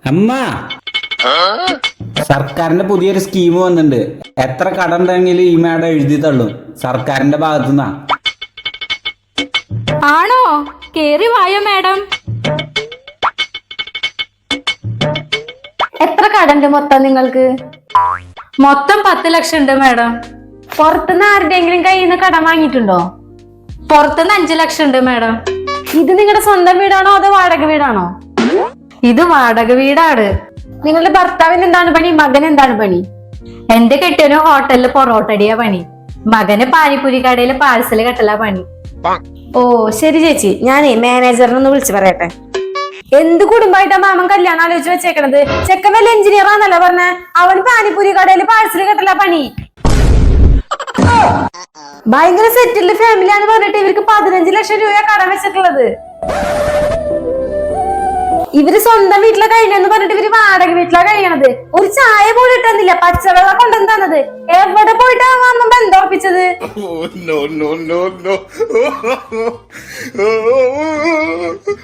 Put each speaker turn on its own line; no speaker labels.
അമ്മ, സർക്കാരിന്റെ പുതിയൊരു സ്കീം വന്നിട്ടുണ്ട്. എത്ര കടം ഉണ്ടെങ്കിലും ഈ മാഡം എഴുതി തള്ളും. സർക്കാരിന്റെ ഭാഗത്തുനിന്നാ.
ആണോ? കേറി വായോ മാഡം.
എത്ര കടണ്ട് മൊത്തം നിങ്ങൾക്ക്?
മൊത്തം 10 ലക്ഷം ഉണ്ട് മാഡം.
പുറത്തുനിന്ന് ആരുടെയെങ്കിലും കയ്യിൽ നിന്ന് കടം വാങ്ങിയിട്ടുണ്ടോ?
പുറത്തുനിന്ന് 5 ലക്ഷം ഉണ്ട് മാഡം.
ഇത് നിങ്ങളുടെ സ്വന്തം വീടാണോ അതോ വാടക വീടാണോ?
ഇത് വാടക വീടാണ്.
നിങ്ങളുടെ ഭർത്താവിന് എന്താണ് പണി? മകൻ എന്താണ് പണി?
എന്റെ കെട്ടിയവന് ഹോട്ടലില് പൊറോട്ടടിയാ പണി. മകന് പാനിപ്പൂരി കടയില് പാഴ്സല് കെട്ടലാ പണി.
ഓ ശരി ചേച്ചി, ഞാനേ മാനേജറിനൊന്ന് വിളിച്ചു പറയട്ടെ. എന്ത് കുടുംബമായിട്ടാ മാമൻ കല്യാണം ആലോചിച്ച് വെച്ചേക്കണത്? ചെക്കൻ വല്ല എഞ്ചിനീയർ ആന്നല്ലോ പറഞ്ഞ. അവൻ പാനിപ്പൂരി കടയില് പാഴ്സല് കെട്ടലാ പണി. ഭയങ്കര സെറ്റിൽഡ് ഫാമിലിയാന്ന് പറഞ്ഞിട്ട് ഇവർക്ക് 15 ലക്ഷം രൂപ കടം വെച്ചിട്ടുള്ളത്. ഇവര് സ്വന്തം വീട്ടിലെ കഴിയണെന്ന് പറഞ്ഞിട്ട് ഇവര് വാടക വീട്ടിലാ കഴിയണത്. ഒരു ചായ പോലും ഇട്ടെന്നില്ല, പച്ചവെള്ളം കൊണ്ടുവന്ന് തന്നത്. എവിടെ പോയിട്ടാ അമ്മ ബന്ധം ഉറപ്പിച്ചത്?